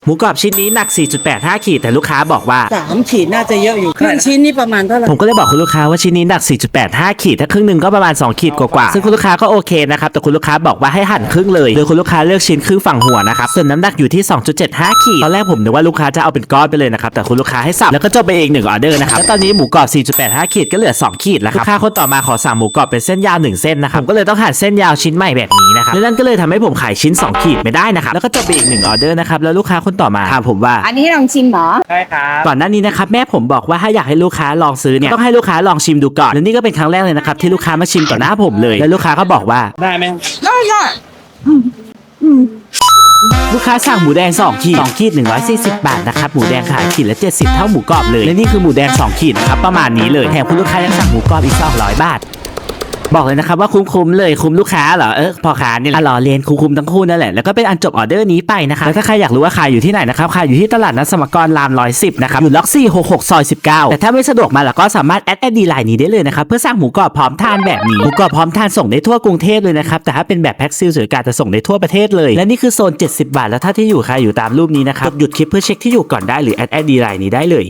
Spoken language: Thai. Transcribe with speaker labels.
Speaker 1: หมูกรอบชิ้นนี้หนัก 4.85 ขีดแต่ลูกค้าบอกว่า
Speaker 2: 3 ขีดน่าจะเยอะอยู่ครึ่งชิ้นนี่ประมาณเท่าไหร่
Speaker 1: ผมก็เลยบอกคุณลูกค้าว่าชิ้นนี้หนัก 4.85 ขีดถ้าครึ่งหนึ่งก็ประมาณ2ขีดกว่าๆซึ่งคุณลูกค้าก็โอเคนะครับแต่คุณลูกค้าบอกว่าให้หั่นครึ่งเลยโดยคุณลูกค้าเลือกชิ้นครึ่งฝั่งหัวนะครับส่วนน้ำหนักอยู่ที่ 2.75 ขีดตอนแรกผมนึกว่าลูกค้าจะเอาเป็นก้อนไปเลยนะครับแต่คุณลูกค้าให้สับแล้วก็จบไปเอง1ออเดอร์นะครับแล้วตอนนี้หมูกรอบ 4.85 ขีดก็เหลือ2ขีดแล้วครับลูกค้าคนต่อมาขอสั่งหมูกรอบเป็นเส้นยาว1เส้นนะครับผมก็เลยต้องหั่นเส้นยาวชิ้นใหม่แบบนี้นะครับและนั่นก็เลยทำให้ผมขายชิ้น2ขีดไม่ได้นะครับแล้วก็จบไปอีก1ออเดอร์นะครับแล้วลูกค้าคนต่อมาถามผมว่า
Speaker 3: อันนี้ลองชิมเหรอ
Speaker 2: ใช่ครับ
Speaker 1: ก่อนหน้านี้นะครับแม่ผมบอกว่าถ้าอยากให้ลูกค้าลองซื้อเนี่ยต้องให้ลูกค้าลองชิมดูก่อนและนี่ก็เป็นครั้งแรกเลยนะครับที่ลูกค้ามาชิมต่อหน้าผมเลยแล้วลูกค้าก็บอกว่า
Speaker 2: ได้ไหม
Speaker 3: ได้
Speaker 1: ลูกค้าสั่งหมูแดง2ขีด2ขีด140 บาทนะครับหมูแดงขายขีดละ70เท่าหมูกรอบเลยและนี่คือหมูแดง2ขีดนะครับประมาณนี้เลยแถมคุณลูกค้ายังสั่งหมูกรอบอีก200 บาทบอกเลยนะครับว่าคุ้มเลยคุ้มลูกค้าเหรอพอค้านี่แหละรอเรียนคุ้มทั้งคู่นั่นแหละแล้วก็เป็นอันจบออเดอร์นี้ไปนะครับแล้วถ้าใครอยากรู้ว่าขายอยู่ที่ไหนนะครับขายอยู่ที่ตลาดนัดสมกรราม110นะครับอยู่ล็อก466ซอย19แต่ถ้าไม่สะดวกมาแล้วก็สามารถแอดไลน์นี้ได้เลยนะครับเพื่อสั่งหมูกรอบพร้อมทานแบบนี้หมูกรอบพร้อมทานส่งได้ทั่วกรุงเทพเลยนะครับแต่ถ้าเป็นแบบแพ็คซีลสวยการจะส่งได้ทั่วประเทศเลยและนี่คือโซน70 บาทแล้วถ้าที่อยู่ใครอยู่ตามรูปนี้นะครับหยุดคลิปเพื่อเช็คที่อยู่ก่อนได้หรือแอดไลน์นี้ได้เลย